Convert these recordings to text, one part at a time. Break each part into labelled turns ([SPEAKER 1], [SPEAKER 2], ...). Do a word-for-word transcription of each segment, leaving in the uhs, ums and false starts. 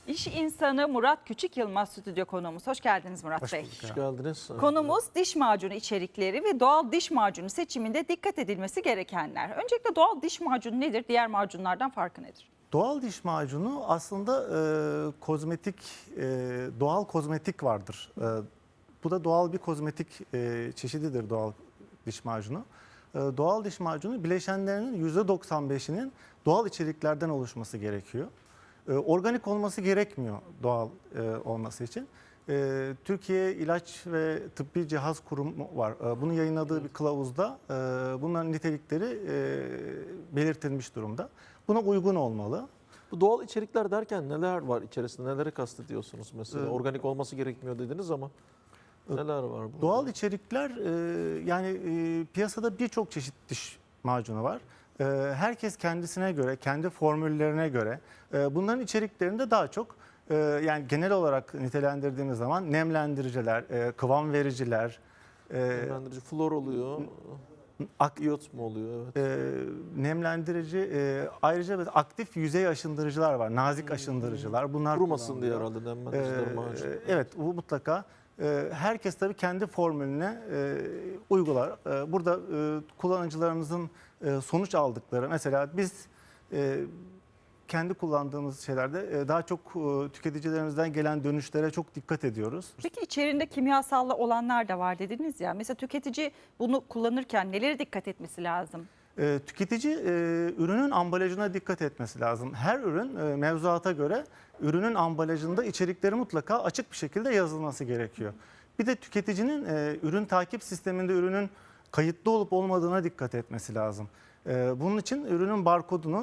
[SPEAKER 1] İş insanı Murat Küçük Yılmaz stüdyo konuğumuz. Hoş geldiniz Murat
[SPEAKER 2] Hoş
[SPEAKER 1] Bey.
[SPEAKER 2] bulduk.
[SPEAKER 3] Hoş geldiniz.
[SPEAKER 1] Konumuz diş macunu içerikleri ve doğal diş macunu seçiminde dikkat edilmesi gerekenler. Öncelikle doğal diş macunu nedir? Diğer macunlardan farkı nedir?
[SPEAKER 2] Doğal diş macunu aslında e, kozmetik, e, doğal kozmetik vardır. E, bu da doğal bir kozmetik e, çeşididir doğal diş macunu. E, doğal diş macunu bileşenlerinin yüzde doksan beşinin doğal içeriklerden oluşması gerekiyor. E, organik olması gerekmiyor doğal e, olması için. E, Türkiye İlaç ve Tıbbi Cihaz Kurumu var. E, bunun yayınladığı bir kılavuzda e, bunların nitelikleri e, belirtilmiş durumda. Buna uygun olmalı.
[SPEAKER 3] Bu doğal içerikler derken neler var içerisinde? Neleri kastediyorsunuz mesela?
[SPEAKER 2] Ee,
[SPEAKER 3] Organik olması gerekmiyor dediniz ama neler var burada?
[SPEAKER 2] Doğal içerikler e, yani e, piyasada birçok çeşit diş macunu var. E, herkes kendisine göre, kendi formüllerine göre e, bunların içeriklerinde daha çok e, yani genel olarak nitelendirdiğimiz zaman nemlendiriciler, e, kıvam vericiler, e,
[SPEAKER 3] Nemlendirici flor oluyor.
[SPEAKER 2] ak,
[SPEAKER 3] İyot mu oluyor? Evet.
[SPEAKER 2] e, nemlendirici e, ayrıca aktif yüzey aşındırıcılar var, nazik aşındırıcılar. Bunlar
[SPEAKER 3] Kurumasın diye
[SPEAKER 2] kullanılıyor.
[SPEAKER 3] herhalde nemlendiriciler
[SPEAKER 2] Ee,
[SPEAKER 3] macun.
[SPEAKER 2] Evet, bu mutlaka. Ee, Herkes tabii kendi formülüne e, uygular. Ee, Burada e, kullanıcılarımızın e, sonuç aldıkları, mesela biz e, kendi kullandığımız şeylerde e, daha çok e, tüketicilerimizden gelen dönüşlere çok dikkat ediyoruz.
[SPEAKER 1] Peki içerisinde kimyasallı olanlar da var dediniz ya. Mesela tüketici bunu kullanırken nelere dikkat etmesi lazım?
[SPEAKER 2] E, Tüketici e, ürünün ambalajına dikkat etmesi lazım. Her ürün e, mevzuata göre ürünün ambalajında içerikleri mutlaka açık bir şekilde yazılması gerekiyor. Bir de tüketicinin e, ürün takip sisteminde ürünün kayıtlı olup olmadığına dikkat etmesi lazım. E, bunun için ürünün barkodunu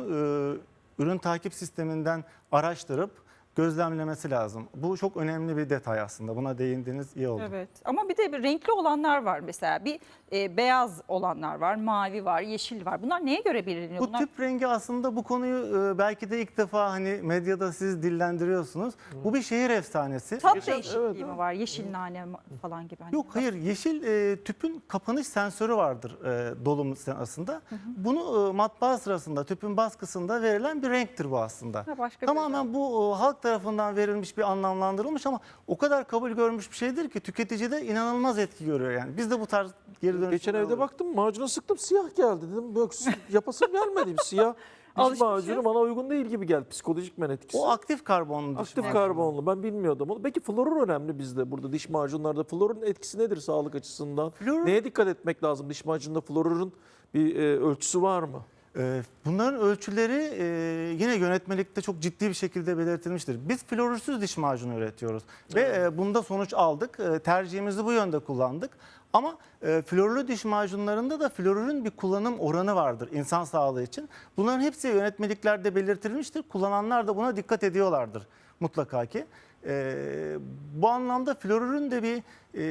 [SPEAKER 2] e, ürün takip sisteminden araştırıp gözlemlemesi lazım. Bu çok önemli bir detay aslında. Buna değindiğiniz iyi oldu.
[SPEAKER 1] Evet, ama bir de bir renkli olanlar var mesela. Bir e, beyaz olanlar var, mavi var, yeşil var. Bunlar neye göre belirleniyor?
[SPEAKER 2] Bu
[SPEAKER 1] Bunlar...
[SPEAKER 2] tüp rengi aslında bu konuyu e, belki de ilk defa hani medyada siz dillendiriyorsunuz. Bu bir şehir efsanesi.
[SPEAKER 1] Tat
[SPEAKER 3] Geçen-
[SPEAKER 1] değişikliği
[SPEAKER 3] evet,
[SPEAKER 1] mi
[SPEAKER 3] evet.
[SPEAKER 1] var? Yeşil nane falan gibi. Hani
[SPEAKER 2] Yok, hayır, yeşil e, tüpün kapanış sensörü vardır e, dolum sırasında. Bunu e, matbaa sırasında tüpün baskısında verilen bir renktir bu aslında.
[SPEAKER 1] Ha, başka bir
[SPEAKER 2] Tamamen bu e, halk tarafından verilmiş bir anlamlandırılmış ama o kadar kabul görmüş bir şeydir ki tüketicide inanılmaz etki görüyor yani. Biz de bu tarz geri dönüşler
[SPEAKER 3] Geçen evde
[SPEAKER 2] alıyoruz.
[SPEAKER 3] baktım macuna sıktım siyah geldi dedim. Yok yapasım gelmedi. Siyah diş
[SPEAKER 1] Alışmışız.
[SPEAKER 3] macunu bana uygun değil gibi geldi. Psikolojik men etkisi.
[SPEAKER 2] O aktif karbonlu diş
[SPEAKER 3] Aktif
[SPEAKER 2] macunu.
[SPEAKER 3] karbonlu. Ben bilmiyordum onu. Peki florur önemli bizde burada diş macunlarda. Florun etkisi nedir sağlık açısından?
[SPEAKER 2] Florun-
[SPEAKER 3] Neye dikkat etmek lazım diş macununda? Florurun bir e, ölçüsü var mı?
[SPEAKER 2] Ee, Bunların ölçüleri e, yine yönetmelikte çok ciddi bir şekilde belirtilmiştir. Biz florursuz diş macunu üretiyoruz ve e, bunda sonuç aldık. E, Tercihimizi bu yönde kullandık. Ama e, florlu diş macunlarında da florürün bir kullanım oranı vardır insan sağlığı için. Bunların hepsi yönetmeliklerde belirtilmiştir. Kullananlar da buna dikkat ediyorlardır mutlaka ki. E, bu anlamda florürün de bir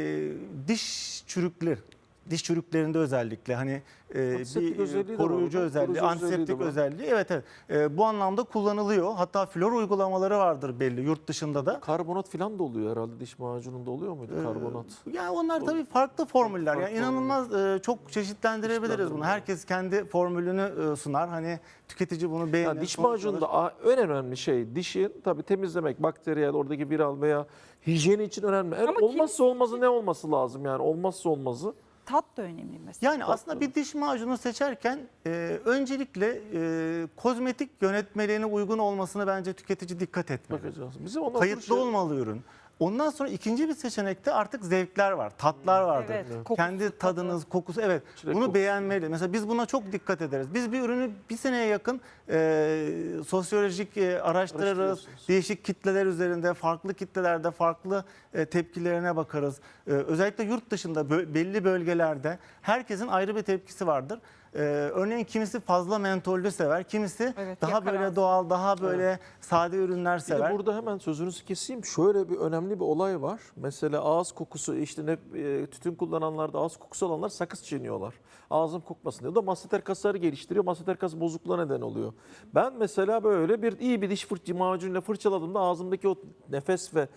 [SPEAKER 2] e, diş çürükleri, diş çürüklerinde özellikle hani e,
[SPEAKER 3] Antiseptik özelliği de
[SPEAKER 2] bir
[SPEAKER 3] var
[SPEAKER 2] koruyucu
[SPEAKER 3] orada,
[SPEAKER 2] özelliği,
[SPEAKER 3] koruyucu özelliği de
[SPEAKER 2] antiseptik
[SPEAKER 3] var.
[SPEAKER 2] özelliği. Evet, evet. E, bu anlamda kullanılıyor. Hatta flor uygulamaları vardır belli yurt dışında da.
[SPEAKER 3] Karbonat falan da oluyor herhalde diş macununda oluyor muydu
[SPEAKER 2] Ee,
[SPEAKER 3] karbonat?
[SPEAKER 2] Yani onlar tabii farklı formüller.
[SPEAKER 3] Farklı
[SPEAKER 2] Yani inanılmaz e, çok çeşitlendirebiliriz bunu.
[SPEAKER 3] Çeşitlendirme.
[SPEAKER 2] Herkes kendi formülünü e, sunar. Hani tüketici bunu beğenir.
[SPEAKER 3] Yani diş
[SPEAKER 2] sonuç alır.
[SPEAKER 3] macununda a- en önemli şey dişi tabii temizlemek, bakteriyel, oradaki viral veya hijyeni için önemli. Eğer
[SPEAKER 1] Ama
[SPEAKER 3] olmazsa olmazı ne olması lazım yani olmazsa olmazı?
[SPEAKER 1] Tat da önemli mesela.
[SPEAKER 2] Yani aslında bir diş macunu seçerken e, öncelikle e, kozmetik yönetmeliğine uygun olmasını bence tüketici dikkat etmeli.
[SPEAKER 3] Bakacağız. Bizim ondan
[SPEAKER 2] Kayıtlı
[SPEAKER 3] sonra şey-
[SPEAKER 2] olmalı ürün. Ondan sonra ikinci bir seçenekte artık zevkler var, tatlar vardır.
[SPEAKER 1] Evet, kokusu,
[SPEAKER 2] Kendi
[SPEAKER 1] tadı.
[SPEAKER 2] tadınız, kokusu, evet.
[SPEAKER 3] Çilek
[SPEAKER 2] bunu
[SPEAKER 3] kokusu.
[SPEAKER 2] beğenmeli. Mesela biz buna çok dikkat ederiz. Biz bir ürünü bir seneye yakın e, sosyolojik e, araştırırız.
[SPEAKER 3] Araştırıyorsunuz.
[SPEAKER 2] Değişik kitleler üzerinde, farklı kitlelerde farklı e, tepkilerine bakarız. E, özellikle yurt dışında bö- belli bölgelerde herkesin ayrı bir tepkisi vardır. Ee, örneğin kimisi fazla mentollü sever, kimisi
[SPEAKER 1] Evet,
[SPEAKER 2] daha
[SPEAKER 1] yakaran.
[SPEAKER 2] böyle doğal, daha böyle sade ürünler
[SPEAKER 3] Bir de
[SPEAKER 2] sever.
[SPEAKER 3] burada hemen sözünüzü keseyim. Şöyle bir önemli bir olay var. Mesela ağız kokusu işte ne e, tütün kullananlarda ağız kokusu olanlar sakız çiğniyorlar. Ağzım kokmasın diye. O da masseter kasları geliştiriyor. Masseter kas bozukluğuna neden oluyor. Ben mesela böyle bir iyi bir diş fırça macunuyla fırçaladığımda ağzımdaki o nefes ve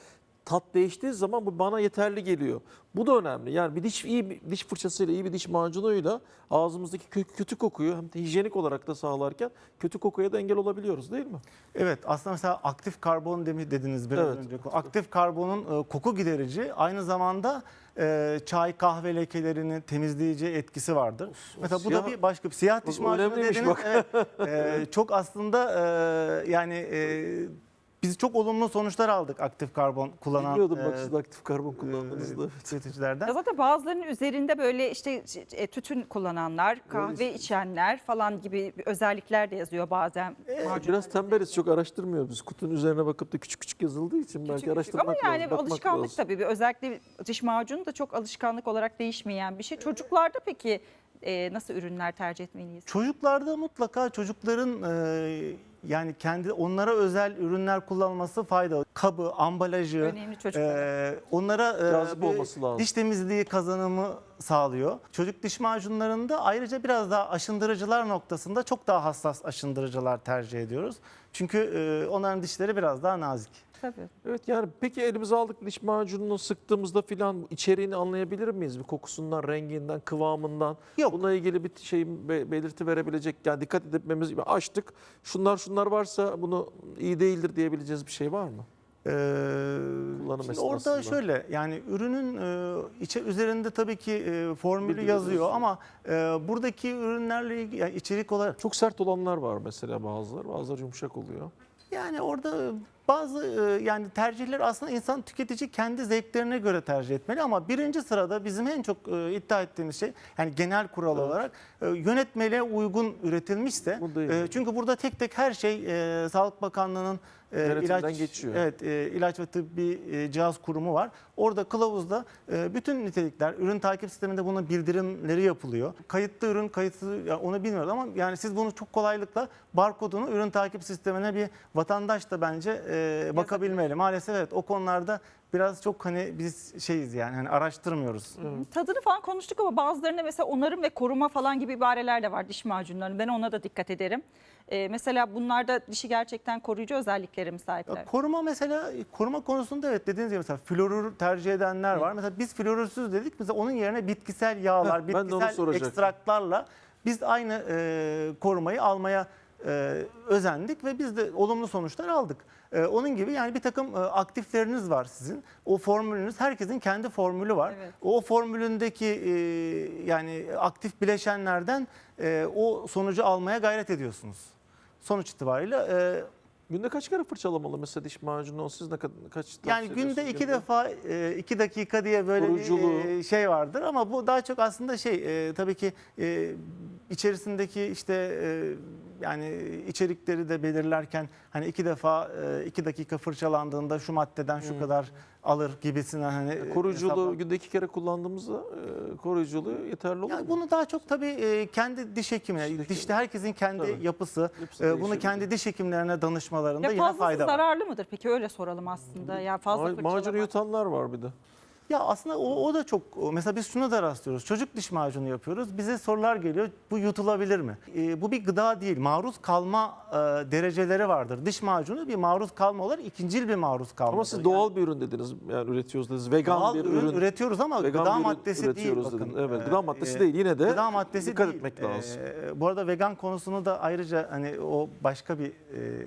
[SPEAKER 3] tat değiştiği zaman bu bana yeterli geliyor. Bu da önemli. Yani bir diş iyi bir diş fırçasıyla, iyi bir diş macunuyla ağzımızdaki kö- kötü kokuyu hem de hijyenik olarak da sağlarken kötü kokuya da engel olabiliyoruz değil mi?
[SPEAKER 2] Evet, aslında mesela aktif karbon demi dediniz biraz
[SPEAKER 3] Evet.
[SPEAKER 2] önce. Aktif karbonun e, koku giderici, aynı zamanda e, çay kahve lekelerini temizleyici etkisi vardır. Mesela bu da
[SPEAKER 3] siyah-
[SPEAKER 2] bir başka bir siyah diş
[SPEAKER 3] Bu
[SPEAKER 2] macunu
[SPEAKER 3] önemliymiş
[SPEAKER 2] dediniz.
[SPEAKER 3] bak.
[SPEAKER 2] Evet, e, çok aslında e, yani e, biz çok olumlu sonuçlar aldık aktif karbon kullanan
[SPEAKER 3] Bilmiyordum bak
[SPEAKER 2] e,
[SPEAKER 3] siz de aktif karbon kullandığınızda. Evet.
[SPEAKER 2] tüketicilerden.
[SPEAKER 1] Ya zaten bazılarının üzerinde böyle işte e, tütün kullananlar, kahve içenler falan gibi özellikler de yazıyor bazen macunlarda.
[SPEAKER 3] Biraz tembeliz, çok araştırmıyoruz biz. Kutunun üzerine bakıp da küçük küçük yazıldığı için
[SPEAKER 1] Küçük
[SPEAKER 3] belki
[SPEAKER 1] küçük.
[SPEAKER 3] araştırmak
[SPEAKER 1] Ama yani
[SPEAKER 3] lazım, bakmak
[SPEAKER 1] alışkanlık
[SPEAKER 3] lazım.
[SPEAKER 1] tabii. Bir, özellikle diş macunu da çok alışkanlık olarak değişmeyen bir şey. Çocuklarda peki e, nasıl ürünler tercih etmeliyiz?
[SPEAKER 2] Çocuklarda mutlaka çocukların e, yani kendi onlara özel ürünler kullanması faydalı. Kabı, ambalajı,
[SPEAKER 1] Önemli çocuklara.
[SPEAKER 2] e, onlara e,
[SPEAKER 3] Cazip
[SPEAKER 2] bir
[SPEAKER 3] olması lazım.
[SPEAKER 2] diş temizliği kazanımı sağlıyor. Çocuk diş macunlarında ayrıca biraz daha aşındırıcılar noktasında çok daha hassas aşındırıcılar tercih ediyoruz. Çünkü e, onların dişleri biraz daha nazik.
[SPEAKER 1] Tabii.
[SPEAKER 3] Evet, yani peki elimize aldık diş macununu sıktığımızda filan içeriğini anlayabilir miyiz? Bir kokusundan, renginden, kıvamından.
[SPEAKER 2] Yok.
[SPEAKER 3] Bununla ilgili bir şey be- belirti verebilecek, yani dikkat etmemiz gibi açtık. Şunlar şunlar varsa bunu iyi değildir diyebileceğiz bir şey var mı?
[SPEAKER 2] Ee,
[SPEAKER 3] Kullanım
[SPEAKER 2] şimdi
[SPEAKER 3] esnasında.
[SPEAKER 2] orada şöyle, yani ürünün e, içe üzerinde tabii ki e, formülü
[SPEAKER 3] Bildiğiniz
[SPEAKER 2] yazıyor
[SPEAKER 3] yazıyor.
[SPEAKER 2] ama e, buradaki ürünlerle ilgili, yani içerik olarak
[SPEAKER 3] Çok sert olanlar var mesela, bazıları. Bazıları yumuşak oluyor.
[SPEAKER 2] yani orada bazı e, yani tercihler aslında insan tüketici kendi zevklerine göre tercih etmeli ama birinci sırada bizim en çok e, iddia ettiğimiz şey, yani genel kural
[SPEAKER 3] Evet.
[SPEAKER 2] olarak e, yönetmeliğe uygun üretilmişse,
[SPEAKER 3] Bu değil.
[SPEAKER 2] e, çünkü burada tek tek her şey e, Sağlık Bakanlığı'nın e,
[SPEAKER 3] Denetimden
[SPEAKER 2] ilaç
[SPEAKER 3] geçiyor.
[SPEAKER 2] Evet, e, ilaç ve tıbbi e, cihaz kurumu var. Orada kılavuzda e, bütün nitelikler, ürün takip sisteminde bunun bildirimleri yapılıyor. Kayıtlı ürün, kayıtsız, yani onu bilmiyoruz ama yani siz bunu çok kolaylıkla barkodunu ürün takip sistemine bir vatandaş da bence e, bakabilmeli. Maalesef evet, o konularda biraz çok hani biz şeyiz yani hani araştırmıyoruz.
[SPEAKER 1] Tadını falan konuştuk ama bazılarında mesela onarım ve koruma falan gibi ibareler de var diş macunlarının. Ben ona da dikkat ederim. Ee, mesela bunlarda dişi gerçekten koruyucu özelliklere mi sahipler?
[SPEAKER 2] Ya koruma mesela, koruma konusunda evet dediğiniz gibi mesela florür tercih edenler var. Mesela biz florürsüz dedik. Mesela onun yerine bitkisel yağlar,
[SPEAKER 3] Heh, ben de onu
[SPEAKER 2] bitkisel
[SPEAKER 3] soracaktım.
[SPEAKER 2] ekstraklarla biz aynı e, korumayı almaya e, özendik ve biz de olumlu sonuçlar aldık. E, onun gibi yani bir takım e, aktifleriniz var sizin. O formülünüz, herkesin kendi formülü var.
[SPEAKER 1] Evet.
[SPEAKER 2] O formülündeki e, yani aktif bileşenlerden e, o sonucu almaya gayret ediyorsunuz. Sonuç itibariyle e,
[SPEAKER 3] Günde kaç kere fırçalamalı mesela diş macunu? Siz ne kadar, kaç
[SPEAKER 2] yani
[SPEAKER 3] tavsiye
[SPEAKER 2] günde
[SPEAKER 3] ediyorsunuz
[SPEAKER 2] iki
[SPEAKER 3] genelde?
[SPEAKER 2] defa e, iki dakika diye böyle
[SPEAKER 3] Koruyuculuğu.
[SPEAKER 2] bir e, şey vardır ama bu daha çok aslında şey e, tabii ki e, içerisindeki işte e, yani içerikleri de belirlerken hani iki defa e, iki dakika fırçalandığında şu maddeden şu
[SPEAKER 3] Hmm.
[SPEAKER 2] kadar alır gibisinden hani e,
[SPEAKER 3] Koruyuculuğu
[SPEAKER 2] hesapla-
[SPEAKER 3] günde iki kere kullandığımızda e, koruyuculuğu yeterli olur
[SPEAKER 2] Yani
[SPEAKER 3] mu?
[SPEAKER 2] bunu daha çok tabii e, kendi diş hekimine,
[SPEAKER 3] Diş hekimi.
[SPEAKER 2] dişte herkesin kendi
[SPEAKER 3] Tabii.
[SPEAKER 2] yapısı,
[SPEAKER 3] Yapısı
[SPEAKER 2] e, bunu
[SPEAKER 3] değişebilir.
[SPEAKER 2] kendi diş hekimlerine danışmalarında
[SPEAKER 1] Ya
[SPEAKER 2] yine
[SPEAKER 1] fazlası
[SPEAKER 2] fayda var.
[SPEAKER 1] zararlı mıdır? Peki öyle soralım aslında. Ya fazla
[SPEAKER 3] Ma-
[SPEAKER 1] fırçalamak.
[SPEAKER 3] macunu yutanlar var bir de.
[SPEAKER 2] Ya aslında o, o da çok, mesela biz şuna da rastlıyoruz. Çocuk diş macunu yapıyoruz. Bize sorular geliyor. Bu yutulabilir mi? E, bu bir gıda değil. Maruz kalma e, dereceleri vardır. Diş macunu bir maruz kalma olarak ikincil bir maruz kalma.
[SPEAKER 3] Ama siz doğal bir ürün dediniz. Yani üretiyoruz dediniz. Vegan
[SPEAKER 2] doğal
[SPEAKER 3] bir
[SPEAKER 2] ürün,
[SPEAKER 3] ürün.
[SPEAKER 2] üretiyoruz ama
[SPEAKER 3] Vegan
[SPEAKER 2] gıda
[SPEAKER 3] bir ürün
[SPEAKER 2] maddesi değil.
[SPEAKER 3] üretiyoruz
[SPEAKER 2] Bakın.
[SPEAKER 3] dedin. Evet,
[SPEAKER 2] E,
[SPEAKER 3] gıda maddesi
[SPEAKER 2] e,
[SPEAKER 3] değil. Yine de
[SPEAKER 2] gıda maddesi
[SPEAKER 3] dikkat
[SPEAKER 2] değil.
[SPEAKER 3] etmek lazım.
[SPEAKER 2] E, bu arada vegan konusunu da ayrıca hani o başka bir e,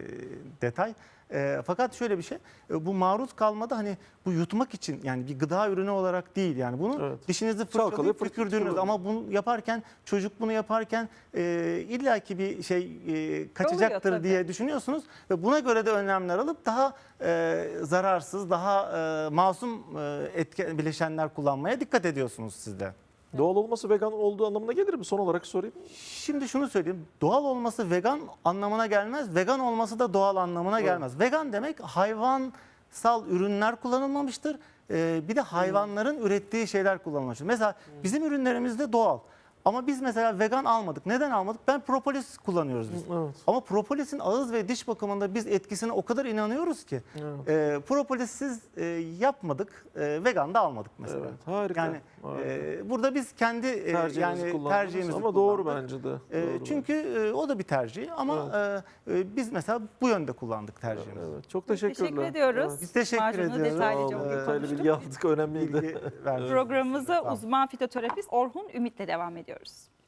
[SPEAKER 2] detay. E, fakat şöyle bir şey, e, bu maruz kalmada hani bu yutmak için yani bir gıda ürünü olarak değil yani bunu
[SPEAKER 3] Evet.
[SPEAKER 2] dişinizi
[SPEAKER 3] Çalkalayıp
[SPEAKER 2] fırçalayıp
[SPEAKER 3] fırt-
[SPEAKER 2] tükürdüğünüz
[SPEAKER 3] tükürün.
[SPEAKER 2] ama bunu yaparken çocuk bunu yaparken e, illaki bir şey e, kaçacaktır
[SPEAKER 1] tabii.
[SPEAKER 2] diye düşünüyorsunuz ve buna göre de önlemler alıp daha e, zararsız, daha e, masum e, etken bileşenler kullanmaya dikkat ediyorsunuz siz de.
[SPEAKER 3] Doğal olması vegan olduğu anlamına gelir mi? Son olarak sorayım.
[SPEAKER 2] Şimdi şunu söyleyeyim. Doğal olması vegan anlamına gelmez. Vegan olması da doğal anlamına gelmez. Vegan demek hayvansal ürünler kullanılmamıştır. Ee, bir de hayvanların ürettiği şeyler kullanılmıştır. Mesela bizim ürünlerimizde doğal. Ama biz mesela vegan almadık. Neden almadık? Ben propolis kullanıyoruz biz.
[SPEAKER 3] Evet.
[SPEAKER 2] Ama propolisin ağız ve diş bakımında biz etkisine o kadar inanıyoruz ki
[SPEAKER 3] Evet.
[SPEAKER 2] e, propolissiz e, yapmadık, e, vegan da almadık mesela.
[SPEAKER 3] Evet, harika.
[SPEAKER 2] Yani
[SPEAKER 3] harika.
[SPEAKER 2] e, burada biz kendi e,
[SPEAKER 3] Tercihinizi
[SPEAKER 2] yani
[SPEAKER 3] kullandınız
[SPEAKER 2] tercihimizi
[SPEAKER 3] ama doğru
[SPEAKER 2] kullandık.
[SPEAKER 3] bence de.
[SPEAKER 2] E,
[SPEAKER 3] Doğru
[SPEAKER 2] çünkü e, o da bir tercih ama e, e, biz mesela bu yönde kullandık
[SPEAKER 3] bence.
[SPEAKER 2] tercihimizi.
[SPEAKER 3] Evet, çok teşekkürler.
[SPEAKER 1] Teşekkür ediyoruz.
[SPEAKER 3] Evet.
[SPEAKER 2] Biz teşekkür
[SPEAKER 1] Macunu
[SPEAKER 2] ediyoruz.
[SPEAKER 1] detaylıca
[SPEAKER 3] Sağ olun,
[SPEAKER 2] Ee,
[SPEAKER 3] detaylı
[SPEAKER 1] konuştuk.
[SPEAKER 3] bilgi aldık, önemliydi.
[SPEAKER 2] Bilgi vermiş.
[SPEAKER 1] Programımıza
[SPEAKER 2] Sağ olun.
[SPEAKER 1] uzman fitoterapist Orhun Ümit'le devam ediyoruz.